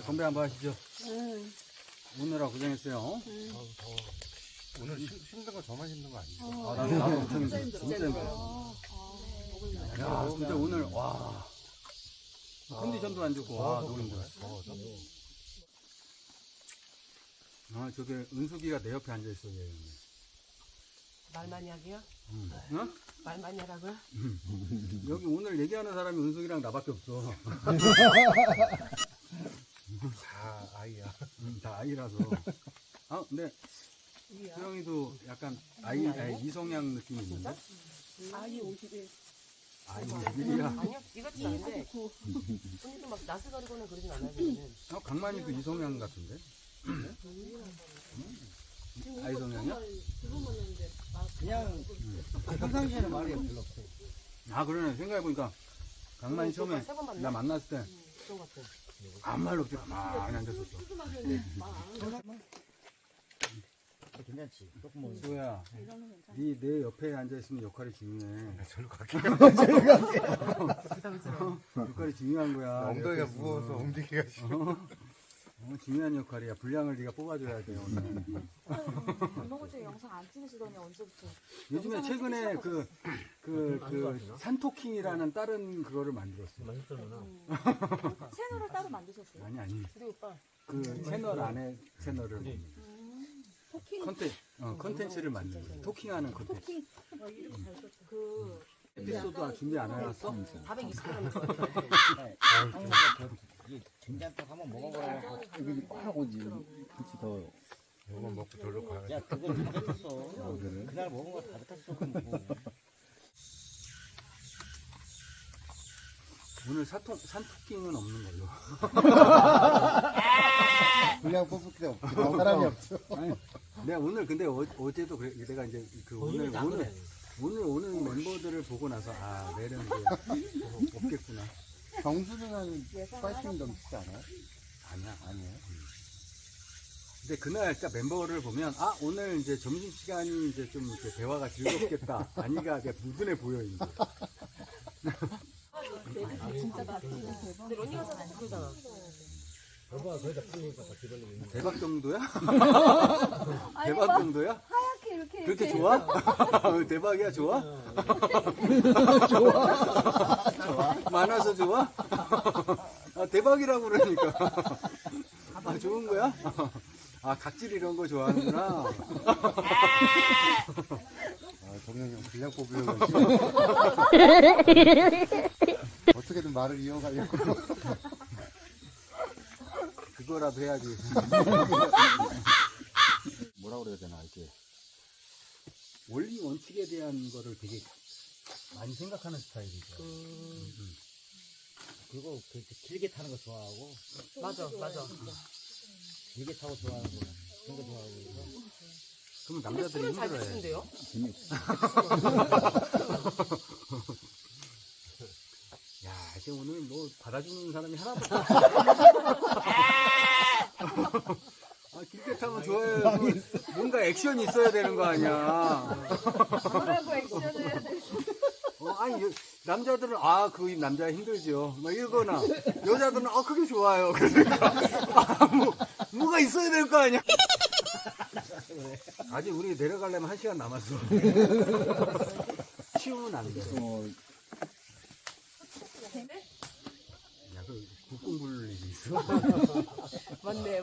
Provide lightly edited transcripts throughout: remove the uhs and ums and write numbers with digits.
건배 한번 하시죠. 응. 오느라 고생했어요. 더워. 오늘 힘든 거 저만 힘든 거 아니죠? 나도 엄청 힘들어. 진짜 힘들어. 야, 진짜 오늘, 와. 컨디션도 안 좋고, 와, 너무 힘들어. 더워서. 아, 저게 은숙이가 내 옆에 앉아있어, 얘. 말 많이 하게요? 어? 말 많이 하라고요? 여기 오늘 얘기하는 사람이 은숙이랑 나밖에 없어. 다 아이야. 다 아이라서. 아, 근데 수영이도 약간 아이 이성향 느낌이 있는데? 아이 51. 아이 51이야. 아니요, 이것도 아닌데. 언니도 막 나스가리거나 그러진 않아요, 저는. 강만이도 이성향 같은데? 아이성향이야? 그냥 평상시에는 말이 별로 없어요. 아, 그러네. 생각해보니까 강만이 처음에 세번 만나? 나 만났을 때 그런 것 같아. 아무 말로 없지. 가만히 앉았었어. 괜찮지. 조금 먹는 수호야, 내 옆에 앉아있으면 역할이 중요해. 절로 갈게요. 부담스러워. 역할이 중요한 거야. 엉덩이가 옆에 무거워서 있으면. 움직이기가 싫어. 중요한 역할이야. 분량을 네가 뽑아줘야 돼, 오늘. 밥 먹을 때 영상 안 찍으시더니 언제부터? 요즘에 최근에 그 산토킹이라는 다른 그거를 만들었어요. 채널을 따로 만드셨어요? 아니. 우리 오빠. 그 채널 안에 채널을 토킹. 컨텐츠를 만드는 거예요. 토킹하는 컨텐츠. 토킹. 그 에피소드 준비 안 해놨어? 420g 할 거야. 이 된장국 한번 먹어보라고 여기 꽉 오지. 그치 더. 이거만 먹고 절로 가야지. 야 그걸 다 뱉었어. 그날 먹은 거 다 뱉었어. 그럼 뭐. 오늘 산토킹은 없는 걸로. 그냥 뽑을 게 없지. 사람이 없어. 아니, 내가 오늘 근데 어제도 그래, 내가 이제 그 오늘 오는 멤버들을 보고 나서 내일은 이제 없겠구나. 정수는 파이팅 넘치지 않아요? 아니에요. 근데 그날 딱 멤버를 보면 오늘 이제 점심 시간이 이제 좀 이렇게 대화가 즐겁겠다. 아니가 그냥 무근해 보여 이제. 진짜 맛집은 대박. 근데 런닝가 사서 그러잖아. 대박 정도야? 아니, 대박 막 정도야? 하얗게 이렇게. 그렇게 좋아? 대박이야, 좋아? 좋아. 많아서 좋아? 대박이라고 그러니까. 좋은 거야? 각질 이런 거 좋아하는구나. 정영이 형 분량 뽑으려고 어떻게든 말을 이어가려고. 그거라도 해야지. 뭐라 그래야 되나, 이렇게. 원리 원칙에 대한 거를 되게 많이 생각하는 스타일이죠. 그리고 길게 타는 거 좋아하고 맞아. 길게 타고 좋아하는 거 그런 거 좋아하고 그래서 그러면 근데 남자들이 술을 잘 힘들어해. 드시는데요? 야, 이제 오늘 뭐 받아주는 사람이 하나도 없어. 길게 타면 좋아요. 뭔가 액션이 있어야 되는 거 아니야. 뭐라고 액션을 해야 돼? 남자들은 그 남자 힘들죠. 막 이러거나 여자들은 그게 좋아요. 그러니까 뭐가 있어야 될 거 아니야. 아직 우리 내려가려면 1시간 남았어. 치우면 안 돼. 야, 그 국공 부를 일이 있어. 맞네.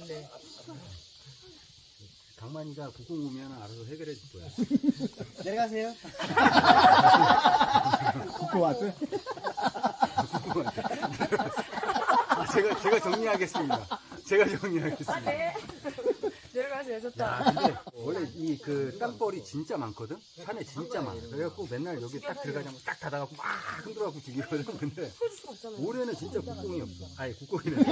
강만이가 국공 오면 알아서 해결해 줄 거야. 내려가세요. 국고 왔어요? 제가 정리하겠습니다. 네. 내려가세요. 좋다. 근데 원래 그 땅벌이 진짜 많거든? 산에 진짜 많아. 그래갖고 맨날 여기 딱 들어가자면 딱 닫아갖고 막 흔들어갖고 죽이거든. 근데 풀어줄 수가 없잖아요. 올해는 진짜 국공이 없어. 국공이네.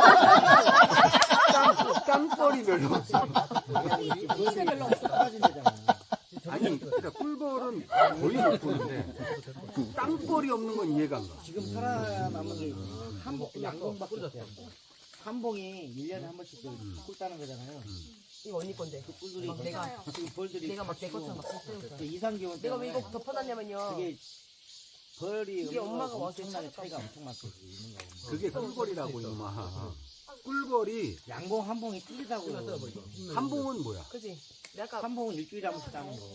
땅벌이 별로 없어. 진짜 별로 없어. 떨어진 데잖아. 아니, 그러니까 꿀벌은 거의 못 보는데 땅벌이 없는 건 이해가 안 가. 지금 살아남은 게 양봉밖에 없어요. 한 봉이 1년에 한 번씩 꿀 따는 거잖아요. 이거 언니 건데. 그 꿀들이 막 지금 벌들이 내가 막 내 것처럼 막 섞여있어. 이상기온 내가 왜 때문에 이거 덮어놨냐면요. 그게 벌이 이게 엄마가 와서 엄청나게 찾았다. 차이가 엄청 많거든. 있는 거 보면. 그게 꿀벌이라고 이놈아. 꿀벌이 양봉 한 봉이 틀리다고. 한 봉은 뭐야? 그지? 내가 한 봉은 일주일에 한 번씩 따는 거.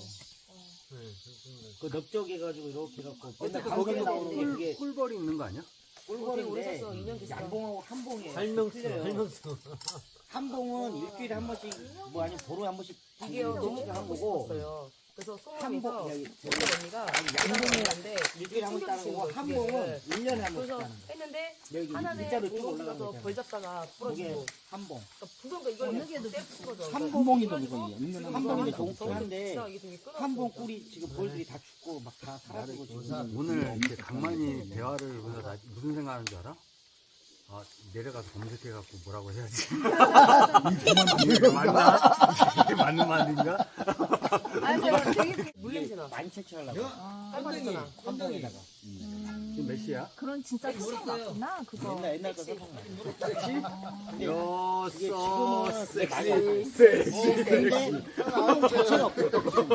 그 넓적해가지고 이렇게 해갖고. 어쨌든 방송에 거기는 나오는 게 그게 꿀벌이 있는 거 아니야? 꿀벌인데 오래 샀어. 2년 됐어. 양봉하고 한 봉이에요. 설명서, 틀려요. 설명서. 한 봉은 일주일에 한 번씩 뭐 아니면 보루에 한 번씩 이게요 너무 한 하고 거고 싶었어요. 그래서 한 봉, 소문에서 야, 우리 언니가 양봉은 일주일에 한 번 따는 거고 한 봉은 1년에 한 번씩 그래서 따는 거. 했는데 여기 하나는 일자로 쭉 공동 올라가는 가서 거잖아. 벌 잡다가 그게 부러지고 한 봉. 부서가 이걸 어느 게도 떼붙은 거죠. 한 봉이도 그래가지고 이거 있는 한 봉인데 너무 좋긴 한데 진짜 이게 되게 끊어졌어. 한 봉 꿀이 지금 벌들이 다 죽고 막 다 사라지고 지금 오늘 이렇게 강만이 대화를 보면서 나 무슨 생각하는 줄 알아? 아, 내려가서 검색해갖고 뭐라고 해야지. 이게 맞나? 이게 맞는 말인가? 아니 저 되게 물냄새나. 많이 채취하려고 깔끔하잖아. 한 봉에다가 지금 몇 시야? 그런 진짜 특성 같구나 그거. 옛날 거 써먹는 근데 여섯, 이게 지금은 섹시, 섹시. 근데 한 자체가 없어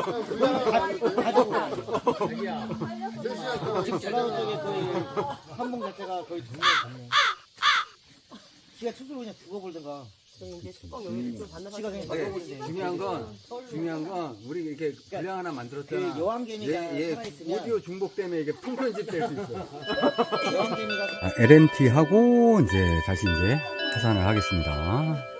지금 전라도 쪽에 거의 한봉 자체가 거의 정리했네 지가 스스로 그냥 죽어버리던가 저는 이제 숙박 여유를 좀 받는 지가 그냥 네, 죽어버리는데 중요한 건 우리 이렇게 분량 하나 그 만들었잖아. 여왕개미가 얘 살아있으면 오디오 중복 때문에 이게 통편집 될 수 있어. 여왕개미가 LNT 하고 이제 다시 이제 하산을 하겠습니다.